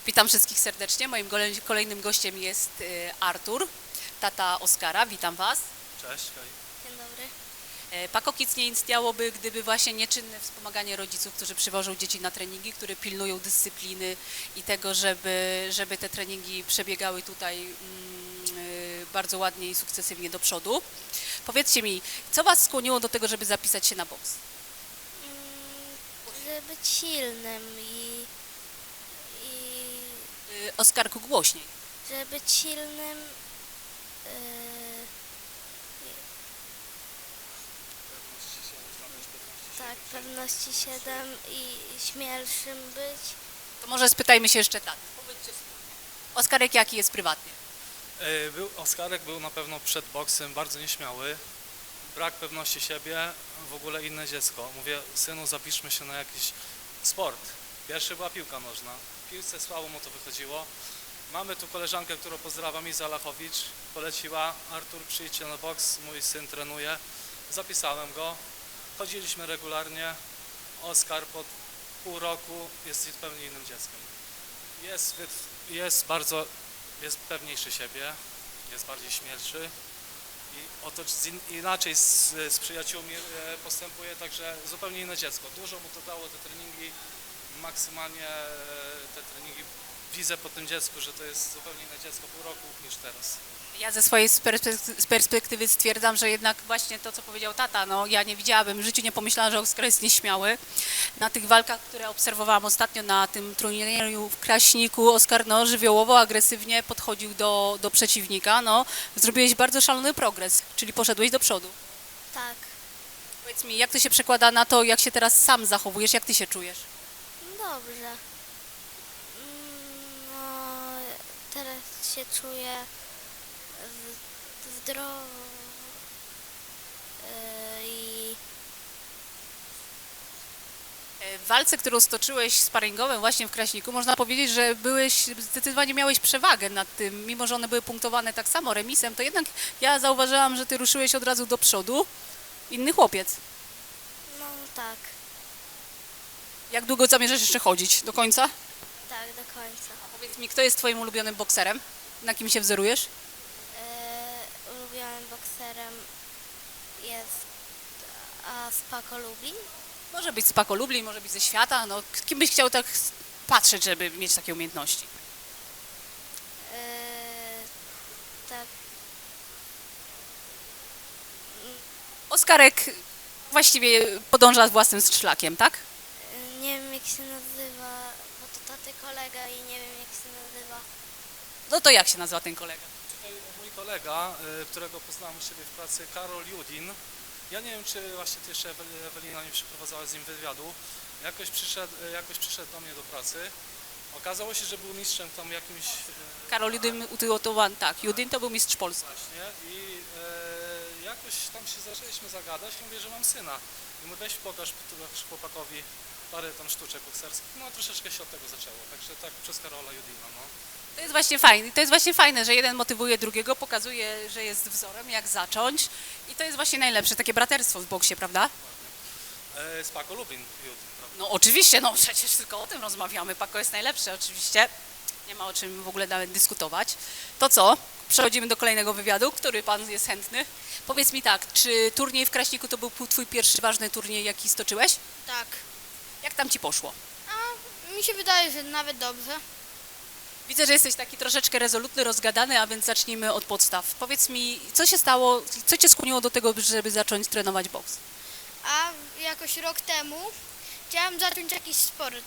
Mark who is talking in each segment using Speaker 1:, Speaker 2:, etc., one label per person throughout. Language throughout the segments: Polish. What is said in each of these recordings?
Speaker 1: Witam wszystkich serdecznie. Moim kolejnym gościem jest Artur, tata Oskara. Witam Was.
Speaker 2: Cześć, hej.
Speaker 3: Dzień dobry.
Speaker 1: Paco Kids nie istniałoby, gdyby właśnie nieczynne wspomaganie rodziców, którzy przywożą dzieci na treningi, które pilnują dyscypliny i tego, żeby te treningi przebiegały tutaj bardzo ładnie i sukcesywnie do przodu. Powiedzcie mi, co Was skłoniło do tego, żeby zapisać się na boks?
Speaker 3: Żeby być silnym i
Speaker 1: Oskarku, głośniej.
Speaker 3: żeby być silnym tak, pewności 7 i śmielszym być.
Speaker 1: To może spytajmy się jeszcze taty. Powiedzcie wspólnie. Oskarek jaki jest prywatnie?
Speaker 2: Oskarek był na pewno przed boksem bardzo nieśmiały, brak pewności siebie, w ogóle inne dziecko. Mówię, synu, zapiszmy się na jakiś sport. Pierwszy była piłka nożna. W piłce słabo mu to wychodziło. Mamy tu koleżankę, którą pozdrawiam, Iza Lachowicz, poleciła, Artur, przyjdźcie na boks, mój syn trenuje. Zapisałem go, chodziliśmy regularnie. Oskar po pół roku jest zupełnie innym dzieckiem. Jest pewniejszy siebie, jest bardziej śmielszy i inaczej z przyjaciółmi postępuje, także zupełnie inne dziecko. Dużo mu to dało te treningi, maksymalnie te treningi. Widzę po tym dziecku, że to jest zupełnie inne dziecko pół roku niż teraz.
Speaker 1: Ja ze swojej perspektywy stwierdzam, że jednak właśnie to, co powiedział tata, no ja nie widziałabym, w życiu nie pomyślałam, że Oskar jest nieśmiały. Na tych walkach, które obserwowałam ostatnio na tym turnieju w Kraśniku, Oskar no, żywiołowo, agresywnie podchodził do przeciwnika. No, zrobiłeś bardzo szalony progres, czyli poszedłeś do przodu.
Speaker 3: Tak,
Speaker 1: Powiedz mi, jak to się przekłada na to, jak się teraz sam zachowujesz, jak ty się czujesz?
Speaker 3: dobrze. No, teraz się czuję zdrowo i
Speaker 1: W walce, którą stoczyłeś sparingowym właśnie w Kraśniku, można powiedzieć, że zdecydowanie miałeś przewagę nad tym, mimo że one były punktowane tak samo remisem, to jednak ja zauważyłam, że ty ruszyłeś od razu do przodu. Inny chłopiec.
Speaker 3: no tak,
Speaker 1: Jak długo zamierzasz jeszcze chodzić? Do końca?
Speaker 3: tak do końca.
Speaker 1: Powiedz mi, kto jest twoim ulubionym bokserem? Na kim się wzorujesz?
Speaker 3: Ulubionym bokserem jest Paco Lubin.
Speaker 1: Może być z Paco Lublin, może być ze świata. No, kim byś chciał tak patrzeć, żeby mieć takie umiejętności?
Speaker 3: Tak,
Speaker 1: Oskarek właściwie podąża własnym szlakiem, tak?
Speaker 3: nie wiem jak się nazywa, bo to taty kolega i nie wiem jak się nazywa.
Speaker 1: No to jak się nazywa ten kolega?
Speaker 2: Tutaj mój kolega, którego poznałem u siebie w pracy, Karol Judin. Ja nie wiem, czy właśnie ty jeszcze Ewelina nie przeprowadzała z nim wywiadu. Jakoś przyszedł do mnie do pracy. Okazało się, że był mistrzem tam jakimś...
Speaker 1: Karol Judyn utylotowany, tak. Judyn to był mistrz Polski.
Speaker 2: Właśnie i jakoś tam się zaczęliśmy zagadać i mówię, że mam syna. I mówię, weź pokaż chłopakowi parę tam sztuczek bokserskich. No troszeczkę się od tego zaczęło, także tak przez Karola Judina, no.
Speaker 1: To jest właśnie fajne, że jeden motywuje drugiego, pokazuje, że jest wzorem, jak zacząć. I to jest właśnie najlepsze, takie braterstwo w boksie, prawda?
Speaker 2: Z Paco Lubin Judin, prawda?
Speaker 1: No oczywiście, no przecież tylko o tym rozmawiamy. Paco jest najlepszy, oczywiście. Nie ma o czym w ogóle nawet dyskutować. To co? Przechodzimy do kolejnego wywiadu, który pan jest chętny. Powiedz mi tak, czy turniej w Kraśniku to był twój pierwszy ważny turniej, jaki stoczyłeś?
Speaker 4: Tak.
Speaker 1: Jak tam ci poszło?
Speaker 4: A mi się wydaje, że nawet dobrze.
Speaker 1: Widzę, że jesteś taki troszeczkę rezolutny, rozgadany, a więc zacznijmy od podstaw. Powiedz mi, co się stało, co cię skłoniło do tego, żeby zacząć trenować boks?
Speaker 4: A jakoś rok temu chciałem zacząć jakiś sport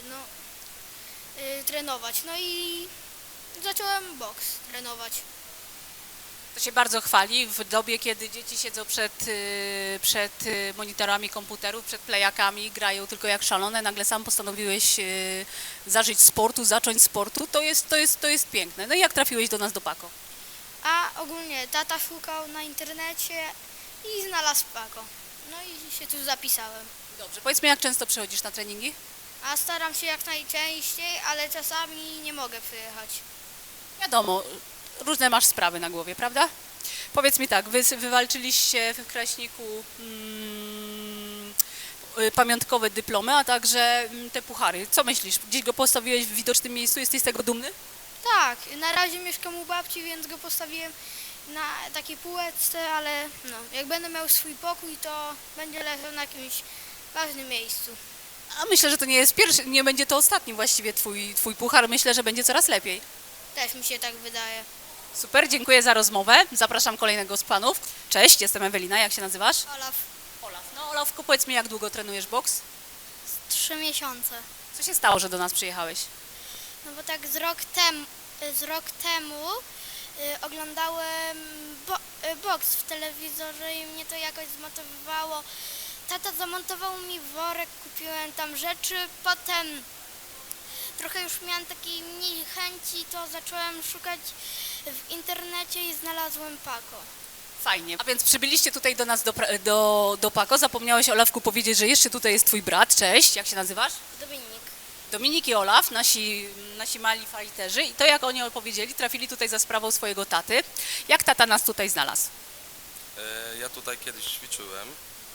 Speaker 4: trenować. No i zacząłem boks trenować.
Speaker 1: To się bardzo chwali w dobie, kiedy dzieci siedzą przed monitorami komputerów, przed plejakami, grają tylko jak szalone. Nagle sam postanowiłeś zacząć sportu. To jest piękne. No i jak trafiłeś do nas do Paco?
Speaker 4: A ogólnie tata szukał na internecie i znalazł Paco. No i się tu zapisałem.
Speaker 1: Dobrze, powiedz mi, jak często przychodzisz na treningi?
Speaker 4: A staram się jak najczęściej, ale czasami nie mogę przyjechać.
Speaker 1: Wiadomo, różne masz sprawy na głowie, prawda? Powiedz mi tak, wy wywalczyliście w Kraśniku pamiątkowe dyplomy, a także te puchary. Co myślisz? Gdzieś go postawiłeś w widocznym miejscu? Jesteś z tego dumny?
Speaker 4: Tak, na razie mieszkam u babci, więc go postawiłem na takiej półeczce, ale no, jak będę miał swój pokój, to będzie leżał na jakimś ważnym miejscu.
Speaker 1: A myślę, że to nie jest pierwszy, nie będzie to ostatni właściwie twój puchar. Myślę, że będzie coraz lepiej.
Speaker 4: Też mi się tak wydaje.
Speaker 1: Super, dziękuję za rozmowę. Zapraszam kolejnego z panów. Cześć, jestem Ewelina, jak się nazywasz?
Speaker 4: Olaf,
Speaker 1: Olaf. No Olafku, powiedz mi, jak długo trenujesz boks?
Speaker 3: 3 miesiące.
Speaker 1: Co się stało, że do nas przyjechałeś?
Speaker 3: No bo tak z rok temu oglądałem boks w telewizorze i mnie to jakoś zmotywowało. Tata zamontował mi worek, kupiłem tam rzeczy, potem trochę już miałam takiej mniej chęci, to zacząłem szukać w internecie i znalazłem Paco.
Speaker 1: Fajnie. A więc przybyliście tutaj do nas do Pako. Zapomniałeś, Olafku, powiedzieć, że jeszcze tutaj jest twój brat. Cześć, jak się nazywasz?
Speaker 3: Dominik.
Speaker 1: Dominik i Olaf, nasi mali fighterzy. I to, jak oni opowiedzieli, trafili tutaj za sprawą swojego taty. Jak tata nas tutaj znalazł?
Speaker 5: Ja tutaj kiedyś ćwiczyłem.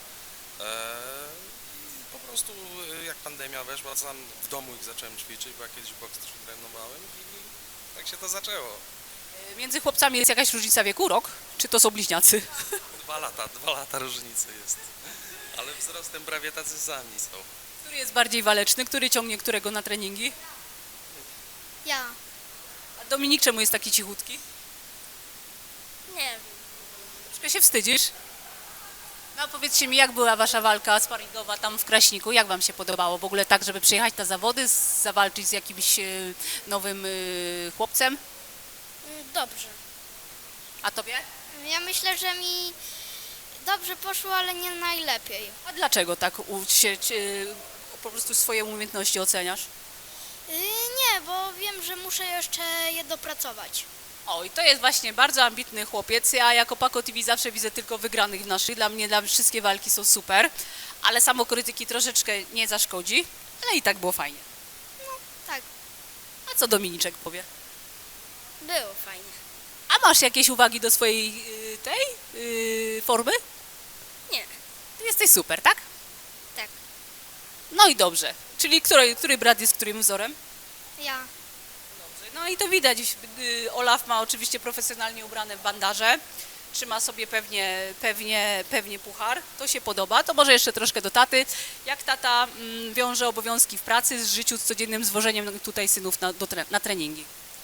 Speaker 5: I po prostu jak pandemia weszła, sam w domu ich zacząłem ćwiczyć, bo ja kiedyś boks też trenowałem i tak się to zaczęło.
Speaker 1: Między chłopcami jest jakaś różnica wieku, rok? Czy to są bliźniacy?
Speaker 5: 2 lata różnicy jest. Ale wzrostem prawie tacy sami są.
Speaker 1: Który jest bardziej waleczny? Który ciągnie którego na treningi?
Speaker 3: Ja.
Speaker 1: A Dominik czemu jest taki cichutki?
Speaker 3: Nie wiem.
Speaker 1: Troszkę się wstydzisz? No a powiedzcie mi, jak była wasza walka sparingowa tam w Kraśniku? Jak wam się podobało? W ogóle tak, żeby przyjechać na zawody, zawalczyć z jakimś nowym chłopcem?
Speaker 3: Dobrze.
Speaker 1: A tobie?
Speaker 3: Ja myślę, że mi dobrze poszło, ale nie najlepiej.
Speaker 1: A dlaczego tak po prostu swoje umiejętności oceniasz?
Speaker 3: Nie, bo wiem, że muszę jeszcze je dopracować.
Speaker 1: O, i to jest właśnie bardzo ambitny chłopiec. Ja jako Paco TV zawsze widzę tylko wygranych w naszych. Dla mnie wszystkie walki są super, ale samokrytyki troszeczkę nie zaszkodzi, ale i tak było fajnie.
Speaker 3: Tak,
Speaker 1: A co Dominiczek powie?
Speaker 3: było fajnie.
Speaker 1: A masz jakieś uwagi do swojej tej formy?
Speaker 3: Nie,
Speaker 1: Ty jesteś super, tak?
Speaker 3: tak.
Speaker 1: No i dobrze. Czyli który brat jest którym wzorem?
Speaker 3: Ja.
Speaker 1: Dobrze. No i to widać. Olaf ma oczywiście profesjonalnie ubrane bandaże. Trzyma sobie pewnie puchar. To się podoba. To może jeszcze troszkę do taty. Jak tata wiąże obowiązki w pracy z życiu, z codziennym zwożeniem tutaj synów na treningi?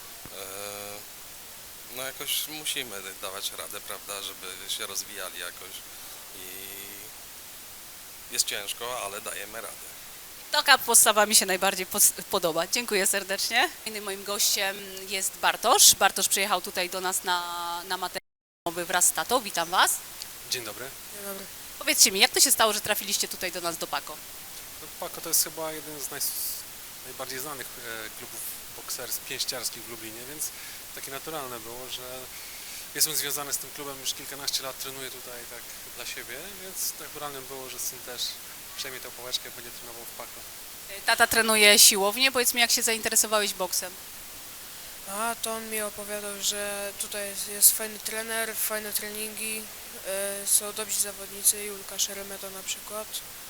Speaker 5: No jakoś musimy dawać radę, prawda, żeby się rozwijali jakoś i jest ciężko, ale dajemy radę.
Speaker 1: Taka postawa mi się najbardziej podoba. Dziękuję serdecznie. Innym moim gościem jest Bartosz. Bartosz przyjechał tutaj do nas na materiał wraz z tatą. Witam Was.
Speaker 6: Dzień dobry.
Speaker 7: Dzień dobry.
Speaker 1: Powiedzcie mi, jak to się stało, że trafiliście tutaj do nas do Pako?
Speaker 6: No, Pako to jest chyba jeden z najbardziej znanych klubów pięściarskich w Lublinie, więc takie naturalne było, że jestem związany z tym klubem już kilkanaście lat, trenuję tutaj tak dla siebie, więc naturalnym było, że syn też przejmie tę pałeczkę i będzie trenował w Pako.
Speaker 1: Tata trenuje siłownię. Powiedz mi, jak się zainteresowałeś boksem?
Speaker 7: A to on mi opowiadał, że tutaj jest fajny trener, fajne treningi, są dobrzy zawodnicy, Julka Szeremeta na przykład.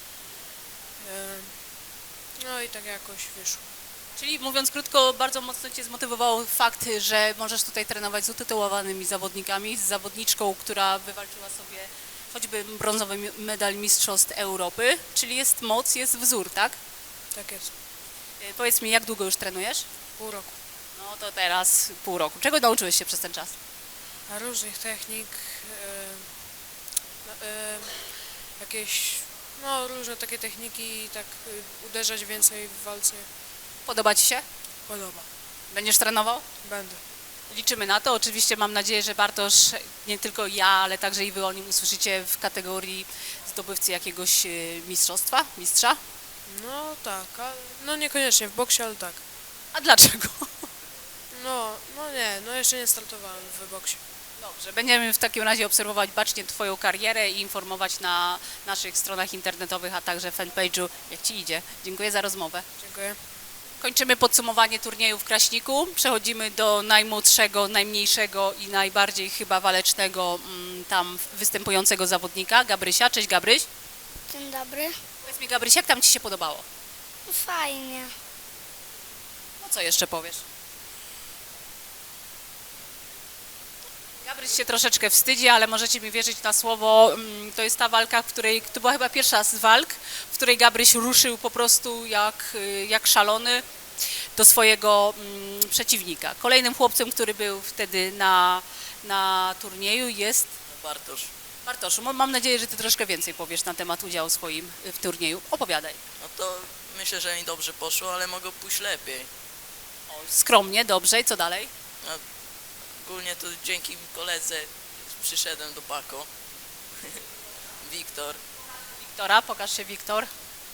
Speaker 7: No i tak jakoś wyszło.
Speaker 1: Czyli mówiąc krótko, bardzo mocno Cię zmotywował fakt, że możesz tutaj trenować z utytułowanymi zawodnikami, z zawodniczką, która wywalczyła sobie choćby brązowy medal Mistrzostw Europy, czyli jest moc, jest wzór, tak?
Speaker 7: Tak jest.
Speaker 1: Powiedz mi, jak długo już trenujesz?
Speaker 7: Pół roku.
Speaker 1: No to teraz pół roku. Czego nauczyłeś się przez ten czas?
Speaker 7: A różnych technik, jakieś, no różne takie techniki, tak uderzać więcej w walce.
Speaker 1: Podoba Ci się?
Speaker 7: Podoba.
Speaker 1: Będziesz trenował?
Speaker 7: Będę.
Speaker 1: Liczymy na to. Oczywiście mam nadzieję, że Bartosz, nie tylko ja, ale także i Wy o nim usłyszycie w kategorii zdobywcy jakiegoś mistrzostwa, mistrza.
Speaker 7: No tak, no niekoniecznie w boksie, ale tak.
Speaker 1: A dlaczego?
Speaker 7: No nie, no jeszcze nie startowałem w boksie.
Speaker 1: Dobrze, będziemy w takim razie obserwować bacznie Twoją karierę i informować na naszych stronach internetowych, a także fanpage'u, jak Ci idzie. Dziękuję za rozmowę.
Speaker 7: Dziękuję.
Speaker 1: Kończymy podsumowanie turnieju w Kraśniku. Przechodzimy do najmłodszego, najmniejszego i najbardziej chyba walecznego tam występującego zawodnika, Gabrysia. Cześć Gabryś.
Speaker 3: Dzień dobry.
Speaker 1: Powiedz mi, Gabryś, jak tam Ci się podobało?
Speaker 3: Fajnie.
Speaker 1: No co jeszcze powiesz? Gabryś się troszeczkę wstydzi, ale możecie mi wierzyć na słowo. To jest ta walka, w której, to była chyba pierwsza z walk, w której Gabryś ruszył po prostu jak szalony do swojego przeciwnika. Kolejnym chłopcem, który był wtedy na turnieju jest
Speaker 8: Bartosz.
Speaker 1: Bartoszu. Mam nadzieję, że Ty troszkę więcej powiesz na temat udziału swoim w turnieju. Opowiadaj.
Speaker 8: No to myślę, że mi dobrze poszło, ale mogło pójść lepiej.
Speaker 1: Skromnie, dobrze. I co dalej?
Speaker 8: No, ogólnie to dzięki koledze przyszedłem do Pako. Wiktor.
Speaker 1: Wiktora, pokaż się, Wiktor.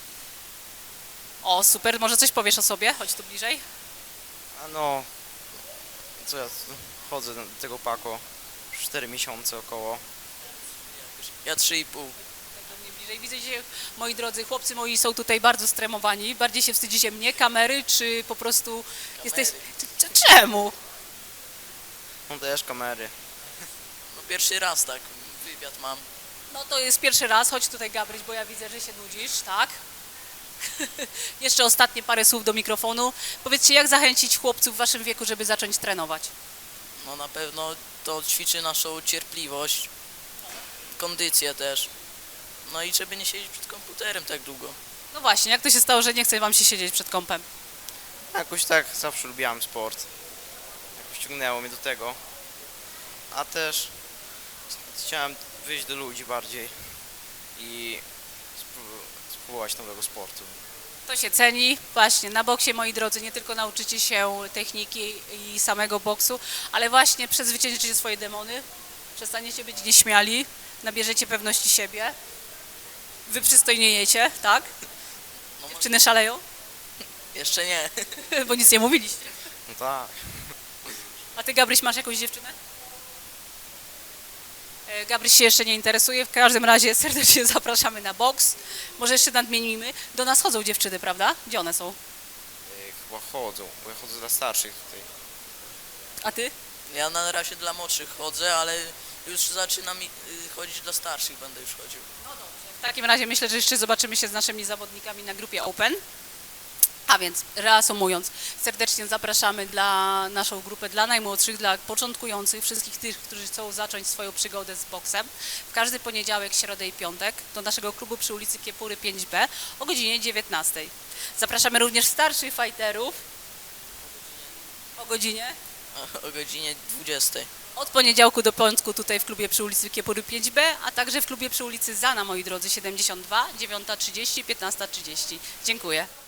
Speaker 1: O, super. Może coś powiesz o sobie? Chodź tu bliżej.
Speaker 9: A no, co ja chodzę do tego Pako, 4 miesiące około.
Speaker 8: Ja 3,5.
Speaker 1: Tak do mnie bliżej. Widzę, że moi drodzy, chłopcy moi są tutaj bardzo stremowani. Bardziej się wstydzicie mnie, kamery, czy po prostu jesteś... Czemu?
Speaker 9: No też kamery.
Speaker 8: No pierwszy raz tak wywiad mam.
Speaker 1: No to jest pierwszy raz. Chodź tutaj, Gabryś, bo ja widzę, że się nudzisz, tak? Jeszcze ostatnie parę słów do mikrofonu. Powiedzcie, jak zachęcić chłopców w waszym wieku, żeby zacząć trenować?
Speaker 8: No na pewno to ćwiczy naszą cierpliwość, kondycję też. No i żeby nie siedzieć przed komputerem tak długo.
Speaker 1: No właśnie, jak to się stało, że nie chce wam się siedzieć przed kompem?
Speaker 9: Jakoś tak zawsze lubiłem sport. Jakoś ciągnęło mnie do tego. A też chciałem wyjść do ludzi bardziej i spróbować nowego sportu.
Speaker 1: To się ceni. Właśnie, na boksie, moi drodzy, nie tylko nauczycie się techniki i samego boksu, ale właśnie przezwyciężycie swoje demony, przestaniecie być nieśmiali, nabierzecie pewności siebie, wyprzystojniejecie, tak?
Speaker 8: No,
Speaker 1: Dziewczyny szaleją?
Speaker 8: jeszcze nie.
Speaker 1: Bo nic nie mówiliście.
Speaker 9: No tak.
Speaker 1: A ty, Gabryś, masz jakąś dziewczynę? Gabryś się jeszcze nie interesuje, w każdym razie serdecznie zapraszamy na boks. Może jeszcze nadmienimy. Do nas chodzą dziewczyny, prawda? Gdzie one są?
Speaker 9: Chyba chodzą, bo ja chodzę dla starszych tutaj.
Speaker 1: A ty?
Speaker 8: Ja na razie dla młodszych chodzę, ale już zaczynam chodzić dla starszych, będę już chodził.
Speaker 1: W takim razie myślę, że jeszcze zobaczymy się z naszymi zawodnikami na grupie Open. A więc reasumując, serdecznie zapraszamy dla naszą grupę, dla najmłodszych, dla początkujących, wszystkich tych, którzy chcą zacząć swoją przygodę z boksem. W każdy poniedziałek, środę i piątek do naszego klubu przy ulicy Kiepury 5B o godzinie 19. Zapraszamy również starszych fighterów o godzinie
Speaker 8: O godzinie 20.
Speaker 1: od poniedziałku do piątku tutaj w klubie przy ulicy Kiepury 5B, a także w klubie przy ulicy Zana, moi drodzy, 72, 9:30, 15:30. Dziękuję.